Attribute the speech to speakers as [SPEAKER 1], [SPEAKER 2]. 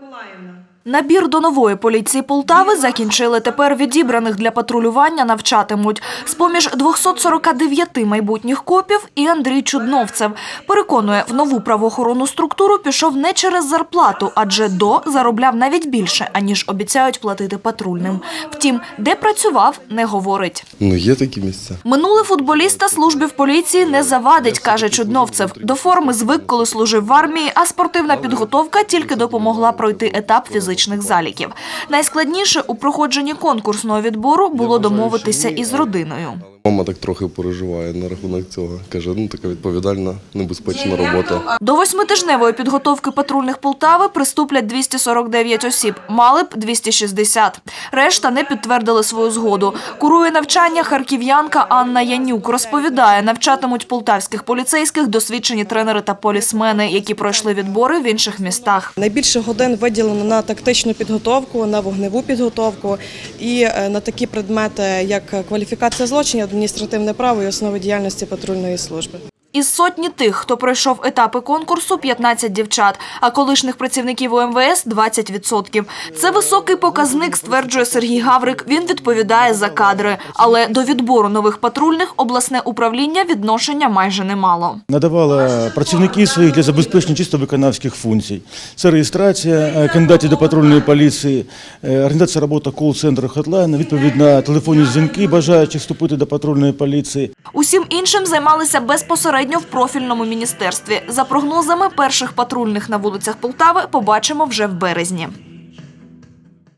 [SPEAKER 1] Набір до нової поліції Полтави закінчили. Тепер відібраних для патрулювання навчатимуть. З-поміж 249 майбутніх копів і Андрій Чудновцев. Переконує, в нову правоохоронну структуру пішов не через зарплату, адже заробляв навіть більше, аніж обіцяють платити патрульним. Втім, де працював, не говорить.
[SPEAKER 2] Є такі місця.
[SPEAKER 1] Минуле футболіста службі в поліції не завадить, каже Чудновцев. До форми звик, коли служив в армії, а спортивна підготовка тільки допомогла пройти етап фізичних заліків. Найскладніше у проходженні конкурсного відбору було домовитися із родиною.
[SPEAKER 2] Мама так трохи переживає на рахунок цього. Каже, така відповідальна, небезпечна робота.
[SPEAKER 1] До 8-тижневої підготовки патрульних Полтави приступлять 249 осіб, мали б 260. Решта не підтвердили свою згоду. Курує навчання харків'янка Анна Янюк. Розповідає, навчатимуть полтавських поліцейських досвідчені тренери та полісмени, які пройшли відбори в інших містах.
[SPEAKER 3] Найбільше годин виділено на тактичну підготовку, на вогневу підготовку і на такі предмети, як кваліфікація злочинів, адміністративне право і основи діяльності патрульної служби.
[SPEAKER 1] Із сотні тих, хто пройшов етапи конкурсу, 15 дівчат, а колишніх працівників УМВС – 20%. Це високий показник, стверджує Сергій Гаврик. Він відповідає за кадри. Але до відбору нових патрульних обласне управління відношення майже не мало.
[SPEAKER 4] Надавала працівників своїх для забезпечення чисто виконавських функцій. Це реєстрація кандидатів до патрульної поліції, організація роботи кол-центру «Хотлайн», відповідь на телефонні дзвінки бажаючих вступити до патрульної поліції.
[SPEAKER 1] Усім іншим займалися безпосередньо в профільному міністерстві. За прогнозами, перших патрульних на вулицях Полтави побачимо вже в березні.